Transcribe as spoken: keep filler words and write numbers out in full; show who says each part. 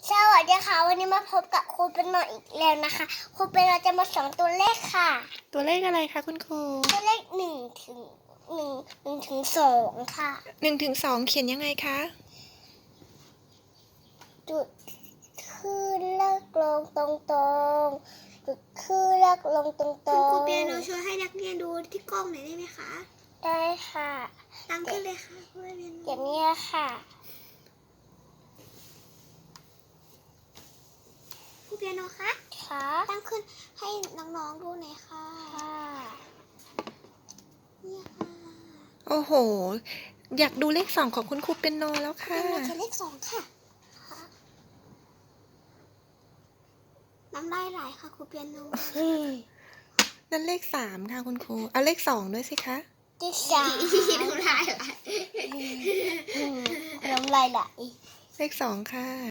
Speaker 1: สวัสดีค่ะวันนี้มาพบกับครูเป็นโนอีกแล้วนะคะครูเป็นโนจะมาสอนตัวเลขค่ะ
Speaker 2: ตัวเลขอะไรคะคุณครู
Speaker 1: ตัวเลขหนึ่งถึงหนึ่งหนึ่งถึงสองค่ะ
Speaker 2: หนึ่งถึงสองเขียนยังไงคะ
Speaker 1: จุดขึ้นเลขลงตรงตรงจุดขึ้นเลขลงตรงตรง
Speaker 3: คุณครูเปียโนช่วยให้นักเรียนดูที่กล้องหน่อยได้ไหมคะ
Speaker 1: ได้ค่ะ
Speaker 3: ตั้งขึ้นเลยค่ะครูเปียโน
Speaker 1: อย่างนี้ค่ะ
Speaker 3: ครูเปียโนคะ
Speaker 1: ค่ะ
Speaker 3: ตั้งขึ้นให้น้องๆดูหน่อยค่ะ
Speaker 1: ค่ะ
Speaker 3: เนี่ยค่ะ
Speaker 2: โอ้โหอยากดูเลขสองของคุณครูเปียโนแล้ว
Speaker 3: เปี
Speaker 2: ค่ะ
Speaker 3: ยโนเขียนเลขสองค่ะ
Speaker 1: ค่ะ
Speaker 3: น้ำลายไหลค่ะครูเปียโน
Speaker 2: นั่นเลขสามค่ะคุณครูเอาเลขสองด้วยสิคะ
Speaker 1: ที่สาม
Speaker 3: น้ำลายไหล
Speaker 1: น้ำลายไหล
Speaker 2: เลขสองค่ะ